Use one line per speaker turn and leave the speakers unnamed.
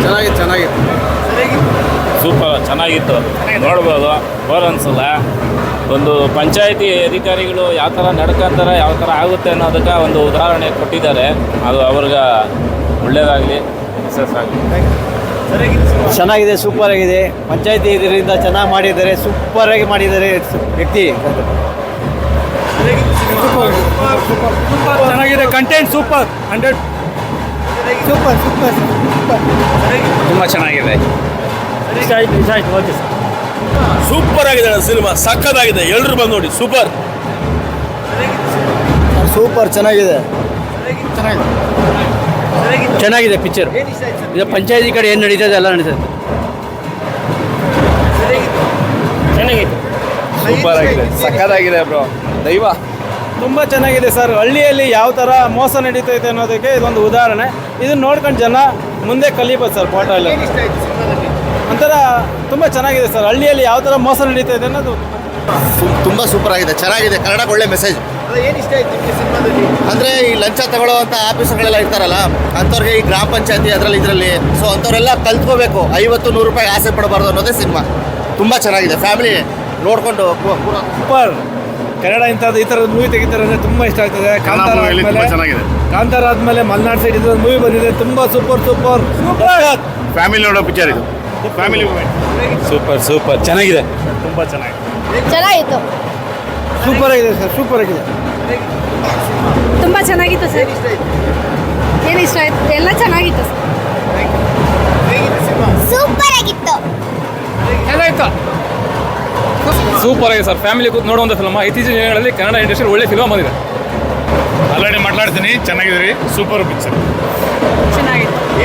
ಚೆನ್ನಾಗಿತ್ತು.
ಸೂಪರ್ ಚೆನ್ನಾಗಿತ್ತು, ನೋಡ್ಬೋದು, ಬೋರ್ ಅನ್ಸಲ್ಲ. ಒಂದು ಪಂಚಾಯಿತಿ ಅಧಿಕಾರಿಗಳು ಯಾವ ಥರ ನಡ್ಕೊಂತಾರೆ, ಯಾವ ಥರ ಆಗುತ್ತೆ ಅನ್ನೋದಕ್ಕೆ ಒಂದು ಉದಾಹರಣೆ ಕೊಟ್ಟಿದ್ದಾರೆ. ಅದು ಅವ್ರಿಗೆ ಒಳ್ಳೆಯದಾಗಲಿ, ಸಕ್ಸಸ್ ಆಗಲಿ.
ಚೆನ್ನಾಗಿದೆ, ಸೂಪರ್ ಆಗಿದೆ. ಪಂಚಾಯತಿ ಇದರಿಂದ ಚೆನ್ನಾಗಿ ಮಾಡಿದ್ದಾರೆ, ಸೂಪರ್ ಆಗಿ ಮಾಡಿದ್ದಾರೆ ವ್ಯಕ್ತಿ.
ಚೆನ್ನಾಗಿದೆ, content super, 100
super super super.
ತುಂಬ ಚೆನ್ನಾಗಿದೆ.
ಇಷ್ಟ ಆಯ್ತು. ಓಕೆ ಸರ್,
ಸೂಪರ್ ಆಗಿದೆ ಸಿನಿಮಾ, ಸಕ್ಕತ್ತಾಗಿದೆ. ಎಲ್ಲರೂ ಬಂದು ನೋಡಿ, ಸೂಪರ್.
ಸೂಪರ್ ಚೆನ್ನಾಗಿದೆ. ಚೆನ್ನಾಗಿದೆ ಪಿಕ್ಚರ್. ಇದು ಪಂಚಾಯತಿ ಕಡೆ ಏನು ನಡೀತದೆ ಎಲ್ಲ ನಡೀತದೆ.
ಚೆನ್ನಾಗಿತ್ತು.
ಸೂಪರ್ ಆಗಿದೆ, ಸಕ್ಕತ್ತಾಗಿದೆ ಬ್ರೋ, ದೈವ.
ತುಂಬ ಚೆನ್ನಾಗಿದೆ ಸರ್. ಹಳ್ಳಿಯಲ್ಲಿ ಯಾವ ಥರ ಮೋಸ ನಡೀತೈತೆ ಅನ್ನೋದಕ್ಕೆ ಇದೊಂದು ಉದಾಹರಣೆ. ಇದನ್ನು ನೋಡ್ಕೊಂಡು ಜನ ಮುಂದೆ ಕಲಿಬೋದು ಸರ್. ಪಾಠ ಎಲ್ಲ ಒಂಥರ ತುಂಬ ಚೆನ್ನಾಗಿದೆ ಸರ್. ಹಳ್ಳಿಯಲ್ಲಿ ಯಾವ ಥರ ಮೋಸ ನಡೀತೈತೆ ಅನ್ನೋದು
ತುಂಬ ಸೂಪರ್ ಆಗಿದೆ, ಚೆನ್ನಾಗಿದೆ. ಕನ್ನಡಕ್ಕೆ ಒಳ್ಳೆ ಮೆಸೇಜ್.
ಏನು ಇಷ್ಟ ಆಯ್ತು ನಿಮಗೆ ಸಿನಿಮಾದಲ್ಲಿ?
ಅಂದರೆ ಈ ಲಂಚ ತಗೊಳ್ಳೋವಂಥ ಆಫೀಸರ್ಗಳೆಲ್ಲ ಇರ್ತಾರಲ್ಲ, ಅಂಥವ್ರಿಗೆ ಈ ಗ್ರಾಮ ಪಂಚಾಯತಿ ಇದರಲ್ಲಿ ಸೊ ಅಂಥವರೆಲ್ಲ ಕಲ್ತ್ಕೋಬೇಕು. 50-100 ರೂಪಾಯಿ ಆಸೆ ಪಡಬಾರ್ದು ಅನ್ನೋದೇ ಸಿನಿಮಾ. ತುಂಬ ಚೆನ್ನಾಗಿದೆ, ಫ್ಯಾಮಿಲಿ ನೋಡಿಕೊಂಡು
ಸೂಪರ್. ಕನ್ನಡ ಇಂಥದ್ದು ಈ ಥರದ ಮೂವಿ ತೆಗಿತಾರೆ ಅಂದರೆ ತುಂಬ ಇಷ್ಟ ಆಗ್ತದೆ. ಕಾಂತಾರ ಆದಮೇಲೆ ಮಲೆನಾಡು ಸೈಡ್ ಇದೊಂದು ಮೂವಿ ಬಂದಿದೆ, ತುಂಬ ಸೂಪರ್.
ಫ್ಯಾಮಿಲಿ ನೋಡೋ ಪಿಕ್ಚರ್ ಇದು, ಫ್ಯಾಮಿಲಿ ಮೂವಿ.
ಸೂಪರ್ ಚೆನ್ನಾಗಿದೆ.
ತುಂಬ ಚೆನ್ನಾಗಿದೆ.
ಚೆನ್ನಾಗಿತ್ತು.
ಸೂಪರ್ ಆಗಿದೆ ಸರ್, ಸೂಪರ್ ಆಗಿದೆ.
ತುಂಬ ಚೆನ್ನಾಗಿತ್ತು ಸರ್. ಏನು ಇಷ್ಟ ಆಯ್ತು? ಎಲ್ಲ ಚೆನ್ನಾಗಿತ್ತು ಸರ್. ಸೂಪರ್ ಆಗಿತ್ತು.
ಚೆನ್ನಾಗಿತ್ತು. ಸೂಪರ್ ಆಗಿದೆ ಸರ್. ಫ್ಯಾಮಿಲಿ ಕೂತ್ ನೋಡುವಂಥ ಫಿಲ್ಮ್. ಇತ್ತೀಚಿನ ದಿನಗಳಲ್ಲಿ ಕನ್ನಡ ಇಂಡಸ್ಟ್ರಿ ಒಳ್ಳೆ ಫಿಲ್ಮ್ ಬಂದಿದೆ.
ಆಲ್ರೆಡಿ ಮಾತಾಡ್ತೀನಿ, ಚೆನ್ನಾಗಿದ್ರಿ, ಸೂಪರ್ ಪಿಕ್ಚರ್.
ಚೆನ್ನಾಗಿತ್ತು.